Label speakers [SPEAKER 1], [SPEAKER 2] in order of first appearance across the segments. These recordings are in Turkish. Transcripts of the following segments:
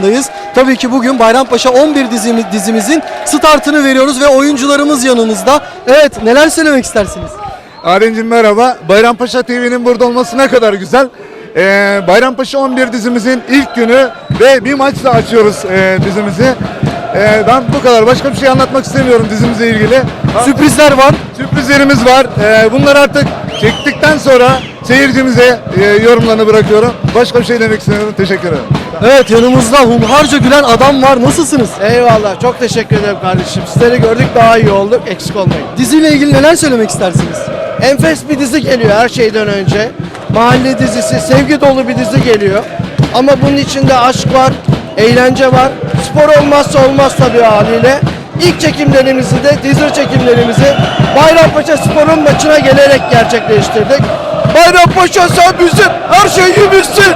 [SPEAKER 1] maçındayız. Tabii ki bugün Bayrampaşa 11 dizimizin startını veriyoruz ve oyuncularımız yanımızda. Evet, neler söylemek istersiniz?
[SPEAKER 2] Arencim merhaba. Bayrampaşa TV'nin burada olması ne kadar güzel. Bayrampaşa 11 dizimizin ilk günü ve bir maçla açıyoruz dizimizi. Ben bu kadar. Başka bir şey anlatmak istemiyorum dizimizle ilgili.
[SPEAKER 1] Sürprizler var.
[SPEAKER 2] Sürprizlerimiz var. Bunları artık çektikten sonra seyircimize yorumlarını bırakıyorum. Başka bir şey demek istemiyorum. Teşekkür ederim.
[SPEAKER 1] Evet, yanımızda hunharca gülen adam var. Nasılsınız?
[SPEAKER 3] Eyvallah, çok teşekkür ederim kardeşim. Sizleri gördük, daha iyi olduk, eksik olmayın.
[SPEAKER 1] Diziyle ilgili neler söylemek istersiniz?
[SPEAKER 3] Enfes bir dizi geliyor her şeyden önce. Mahalle dizisi, sevgi dolu bir dizi geliyor. Ama bunun içinde aşk var, eğlence var. Spor olmazsa olmaz tabii haliyle. İlk çekimlerimizi de, teaser çekimlerimizi Bayrampaşa Spor'un maçına gelerek gerçekleştirdik. Bayrampaşa sen bizim her şeyimizsin.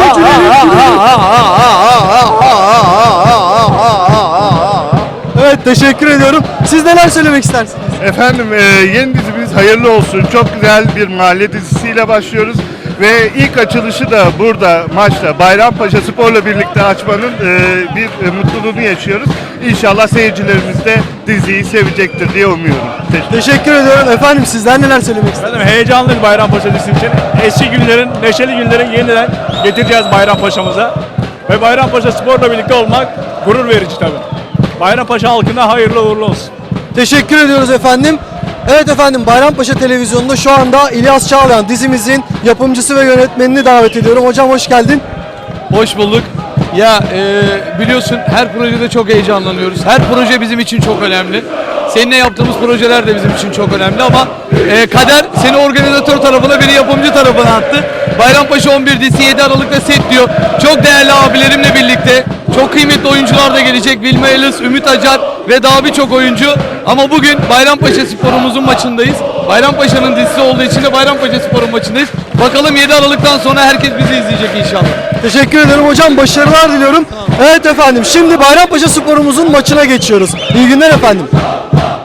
[SPEAKER 1] Evet, teşekkür ediyorum. Siz neler söylemek istersiniz?
[SPEAKER 4] Efendim yeni dizimiz hayırlı olsun. Çok güzel bir mahalle dizisiyle başlıyoruz. Ve ilk açılışı da burada maçta Bayrampaşa Spor'la birlikte açmanın bir mutluluğunu yaşıyoruz. İnşallah seyircilerimiz de diziyi sevecektir diye umuyorum.
[SPEAKER 1] Teşekkür ediyorum. Efendim, sizler neler söylemek istersiniz?
[SPEAKER 5] Efendim heyecanlıyız Bayrampaşa dizisi için. Eski günlerin, neşeli günlerin yeniden getireceğiz Bayrampaşa'mıza. Ve Bayrampaşa Spor'la birlikte olmak gurur verici tabii. Bayrampaşa halkına hayırlı uğurlu olsun.
[SPEAKER 1] Teşekkür ediyoruz efendim. Evet efendim, Bayrampaşa Televizyonu'nda şu anda İlyas Çağlayan dizimizin yapımcısı ve yönetmenini davet ediyorum. Hocam hoş geldin.
[SPEAKER 6] Hoş bulduk. Ya biliyorsun her projede çok heyecanlanıyoruz. Her proje bizim için çok önemli. Seninle yaptığımız projeler de bizim için çok önemli ama kader seni organizatör tarafına, beni yapımcı tarafına attı. Bayrampaşa 11 dizisi 7 Aralık'ta set diyor. Çok değerli abilerimle birlikte çok kıymetli oyuncular da gelecek. Vilma Elis, Ümit Acar ve daha birçok oyuncu. Ama bugün Bayrampaşa Spor'umuzun maçındayız. Bayrampaşa'nın dizisi olduğu için de Bayrampaşa Spor'un maçındayız. Bakalım 7 Aralık'tan sonra herkes bizi izleyecek inşallah.
[SPEAKER 1] Teşekkür ederim hocam. Başarılar diliyorum. Evet efendim, şimdi Bayrampaşa Spor'umuzun maçına geçiyoruz. İyi günler efendim.